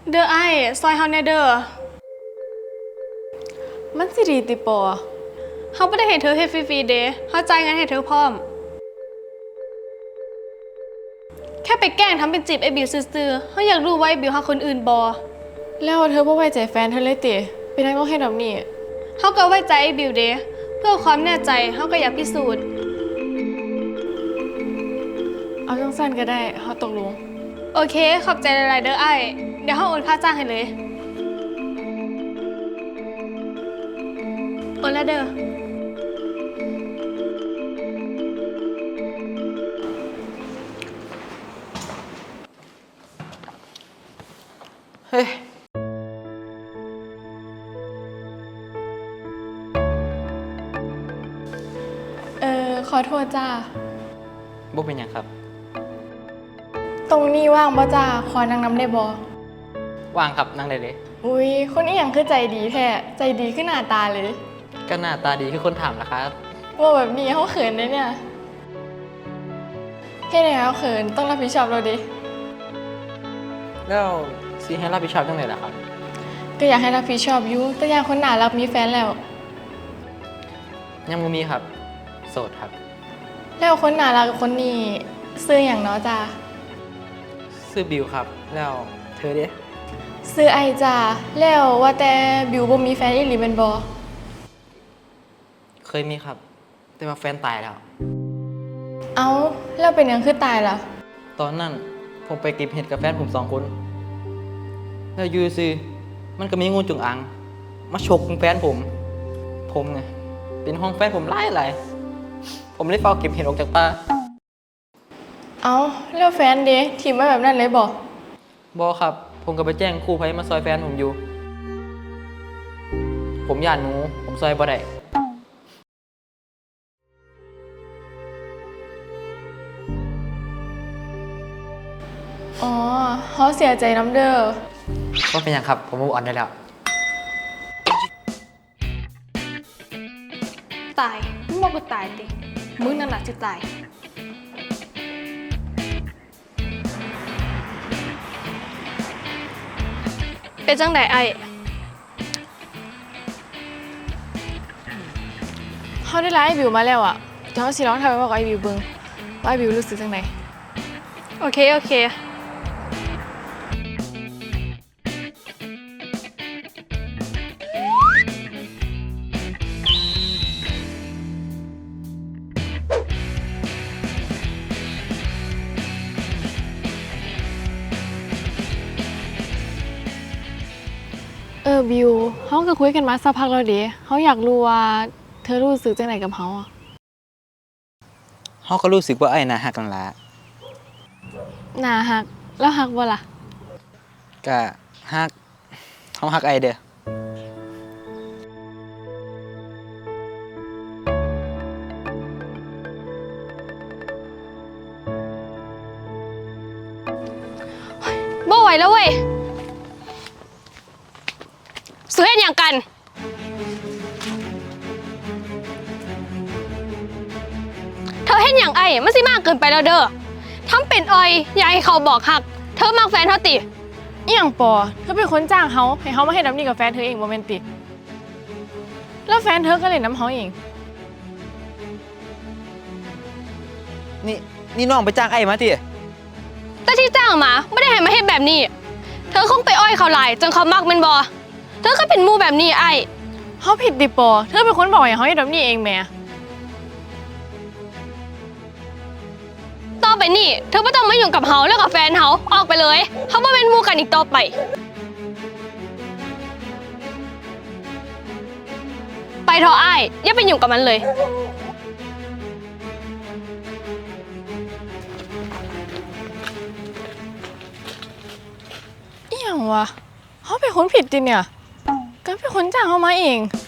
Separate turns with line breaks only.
เด้อไอ้ซอยเฮาแน่เด้อ
มันสิดีติปอ
เฮาบ่ได้ให้เธอเฮ็ดฟรีๆเด้เฮาจ่ายเงินให้เธอพร้อมแค่ไปแกล้งทำเป็นจีบไอ้บิวซื่อๆเฮาอยากรู้ว่าไอ้บิวหาคนอื่นบ่
แล้วเธอบ่ไว้ใจแฟนเธอเลยติเป็นนักต้องให้แบบนี้
เฮาก็ไว้ใจไอ้บิวเด้เพื่อความแน่ใจเฮาก็อยากพิสูจน์
เอาจังสั้นก็ได้เฮาตกลง
โอเคขอบใจหลายๆเด้อไอ้เดี๋ยวเฮาโอนค่าจ้างให้เลยโอนแล้วเด้อ
เฮ้ย
ขอโทษจ้า
บ่เป็นหยังครับ
ตรงนี้ว่างบ่จ้าขอนั่งน้ำได้บ่
ว่างครับนั่งได้เลย
อุ้ยคนอีหยังคือใจดีแท้ใจดีขึ้นหน้าตาเลย
ก็หน้าตาดีคือคนถามนะครับ
ว่าแบบนี้เขาเขินได้เนี่ยเฮ็ดให้เขาเขินต้องรับผิดชอบเราดิ
แล้วซีให้รับผิดชอบจังไดล่ะครับ
ก็อยากให้รับผิดชอบอยู่แต่อย่างคนหน้ารักมีแฟนแล้ว
ยังบ่มีครับ โสดครับ
แล้วคนหน้ารักกับคนนี้ซื้ออย่างเนาะจ้า
ชื่อบิวครับ แล้วเธอเด้
ซื้อไอจ้าแล้วว่าแต่บิวบ่มีแฟนอีหลีเป็นบ่
เคยมีครับ แต่ว่าแฟนตายแล้ว
เอ้าแล้วเป็นหยังคือตายล่ะ
ตอนนั้นผมไปเก็บเห็ดกับแฟนผม2 คน แล้วอยู่ซื่อมันก็มีงูจงอางมาฉกแฟนผมไงเป็นห้องแฟนผมหลายผมเลยเฝ้าเก็บเห็ดออกจากป่า
เอ้าแล้วแฟนเด้ทีมไว้แบบนั้นเลยบ่
บ่ครับ ผมก็ไปแจ้งครูภัยมาซอยแฟนผมอยู่ ผมย่านหนู ผมซอยบ่ได้
อ๋อเขาเสียใจน้ำเด้อ
ก็เป็นอย่างครับ ผมมูฟออนได้แล้ว
ตายมึงบอกกูตายติมึงนั่นล่ะสิตายเป็นจังไดไอ้
เขาได้ไลฟ์ไอบิวมาแล้วอ่ะเดี๋ยวเขาสิร้องทำไปบอกไอบิวเบิ่งว่าไอบิวรู้สึกจังได
โอเคโอเค
บิวเขาก็คุยกันมาสักพักแล้วเด้เขาอยากรู้ว่าเธอรู้สึกจังไดกับเขาอ่ะ
เขาก็รู้สึกว่าไอ้น่าหักกันละ
น่าฮักแล้วฮักบ่ล่ะ
ก็หักเขาหักไอเด้อ
บ่ไหวแล้วเว้ยสุเฮ็ดหยังกันเธอเฮ็ดหยังไอ้มันสิมากเกินไปแล้วเด้อทำเป็นออยอย่าให้เขาบอกหักเธอมักแฟนเธอติ
อีหยังปอเธอเป็นคนจ้างเขาให้เขามาให้น้ำนี่กับแฟนเธอเองบ่แม่นติแล้วแฟนเธอก็เล่นน้ำเขาเอง
นี่น้องไปจ้างไอ้มาติ
แต่ที่จ้างมาไม่ได้ให้มาเฮ็ดแบบนี้เธอคงไปอ้อยเขาหลายจนเขามักแม่นบ่เธอก็เป็นหมู่แบบนี้ไอ้
เขาผิดติปอเธอเป็นคนบอกให้เขาให้น้ำนี่เองแหม่
ต่อไปนี่เธอไม่ต้องมายุ่งกับเขาแล้วกับแฟนเขาออกไปเลยเขาไม่เป็นหมู่กันอีกต่อไปไปเถอะไอ้อย่าไปยุ่งกับมันเลย
อีหยังวะเขาเป็นคนผิดติเนี่ยก็เป็นคนจ้างเขามาเอง